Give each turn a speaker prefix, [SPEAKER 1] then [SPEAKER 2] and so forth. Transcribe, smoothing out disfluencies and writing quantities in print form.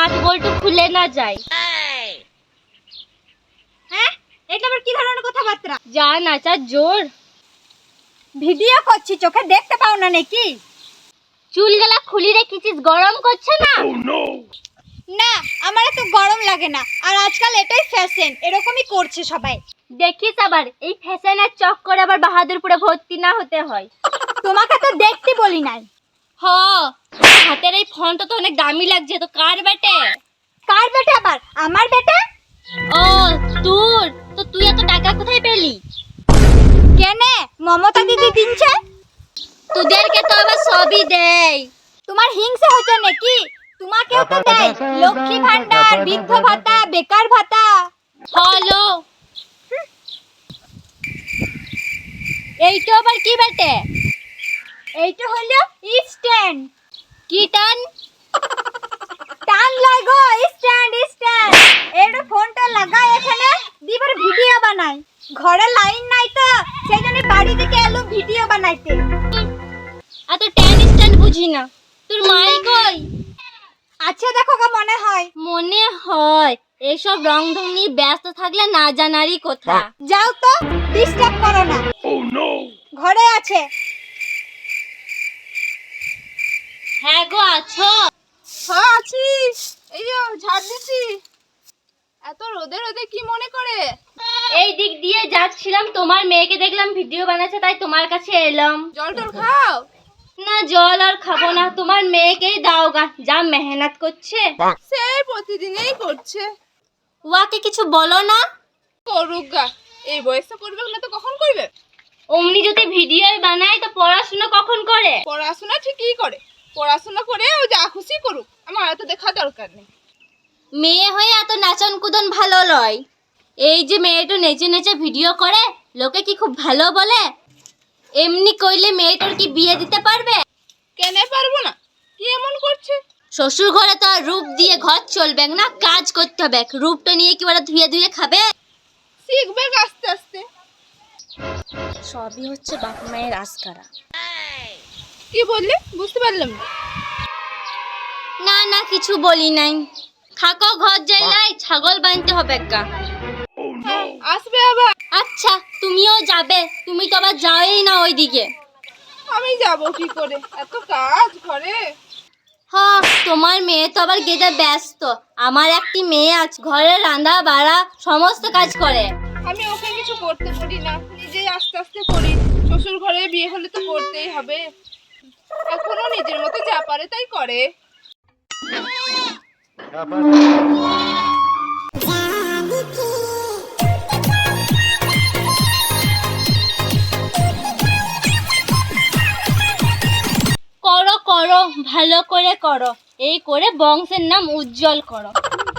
[SPEAKER 1] Nut বল্টু খুলে না যায়।
[SPEAKER 2] হ্যাঁ, এটা আবার কি ধরনের কথাবার্তা?
[SPEAKER 1] যা নাচার জোর।
[SPEAKER 2] ভিডিও করছি, চোখে দেখতে পাও না নাকি?
[SPEAKER 1] চুলগুলা খুলি রেখেছিস, গরম করছে না?
[SPEAKER 2] না, আমার এত গরম লাগে না। আর আজকাল এটাই ফ্যাশন, এরকমই করছে সবাই।
[SPEAKER 1] দেখিস আবার এই ফ্যাশনের চক্করে আবার বাহাদুরপুরে ভর্তি না হতে হয়।
[SPEAKER 2] তোমাকে তো দেখতে বলি নাই।
[SPEAKER 1] হ, হাতের এই ফোনটা তো অনেক দামি লাগছে। তো কার বেটে?
[SPEAKER 2] কার বেটে আবার? আমার বেটে।
[SPEAKER 1] ও তোর? তো তুই এত টাকা কোথায় পেলি?
[SPEAKER 2] কেনে মমতা দিদি দিনছে?
[SPEAKER 1] তোদেরকে তো আবার সবই দেয়।
[SPEAKER 2] তোমার হিংসা হচ্ছে নাকি? তোমাকেও তো দেয় লক্ষ্মী ভান্ডার, বৃদ্ধ ভাতা, বেকার ভাতা।
[SPEAKER 1] হ্যালো, এইটা আবার কি বেটে?
[SPEAKER 2] এইটা হলো স্ট্যান্ড।
[SPEAKER 1] কি টান?
[SPEAKER 2] টান লাগো, স্ট্যান্ড স্ট্যান্ড। এর ফোনটা লাগাই এখানে, দিবার ভিডিও বানাই। ঘরে লাইন নাই তো, সেইজন্য বাড়ি থেকে এলো ভিডিও বানাইতে।
[SPEAKER 1] এত ট্যান স্ট্যান্ড বুঝি না। তোর মাই কই?
[SPEAKER 2] আচ্ছা দেখো গো, মনে হয়।
[SPEAKER 1] মনে হয় এইসব রং ঢং নিয়ে ব্যস্ত থাকলে না জানারই কথা।
[SPEAKER 2] যাও তো, ডিস্টার্ব করো না। ঘরে আছে।
[SPEAKER 1] হ্যাঁ গো, আছো?
[SPEAKER 3] হ্যাঁ আছি, এই যে ঝাড় দিছি। এত রোদে রোদে কি মনে করে?
[SPEAKER 1] এই দিক দিয়ে যাচ্ছিলাম, তোমার মেয়েকে দেখলাম ভিডিও বানাচ্ছে, তাই তোমার কাছে এলাম।
[SPEAKER 3] জল টল খাও?
[SPEAKER 1] না, জল আর খাবো না, তোমার মেয়েকেই দাও গা, যা মেহনত করছে।
[SPEAKER 3] সে প্রতিদিনই করছে।
[SPEAKER 1] ওয়াকে কিছু বলো না।
[SPEAKER 3] করুক গা, এই বয়সে করবে না তো কখন করবে?
[SPEAKER 1] অমনি যদি ভিডিও বানায় তো পড়াশোনা কখন করে?
[SPEAKER 3] পড়াশোনা ঠিকই করে, পড়াশোনা করে ও যা খুশি করুক, আমার এত দেখা দরকার নেই।
[SPEAKER 1] মেয়ে হয়ে এত নাচন কুদন ভালো লয়। এই যে মেয়েটা নেচে নেচে ভিডিও করে, লোকে কি খুব ভালো বলে? এমনি কইলে মেয়েটার কি বিয়ে দিতে পারবে?
[SPEAKER 3] কেন পারবো না? কি এমন করছে?
[SPEAKER 1] শ্বশুর ঘরে তো আর রূপ দিয়ে ঘর চলবে না, কাজ করতে হবে। রূপটা নিয়ে কি ওরা ধুয়ে ধুয়ে খাবে?
[SPEAKER 3] শিখবে আস্তে আস্তে।
[SPEAKER 1] সবই হচ্ছে বাপ মায়ের আস্কারা।
[SPEAKER 3] কি বললে বুঝতে পারলাম না।
[SPEAKER 1] না না, কিছু বলি নাই। থাকো, ঘর যাই, ছাগল বানতে হবে গা।
[SPEAKER 3] আসবে আবার?
[SPEAKER 1] আচ্ছা, তুমিও যাবে? তুমি তো আবার যাওই না ওইদিকে।
[SPEAKER 3] আমি যাব কি করে, এত কাজ ঘরে।
[SPEAKER 1] হ্যাঁ, তোমার মেয়ে তো আবার গেদে ব্যস্ত। আমার একটি মেয়ে আছে, ঘরে রান্না বাড়া সমস্ত কাজ করে।
[SPEAKER 3] আমি ওকে কিছু করতে পারি না, নিজেই আস্তে আস্তে করি। শ্বশুর ঘরে বিয়ে হলে তো করতেই হবে। এখনো নিজের মতো যা পারে তাই করে।
[SPEAKER 1] করো করো, ভালো করে করো। এই করে বংশের নাম উজ্জ্বল করো।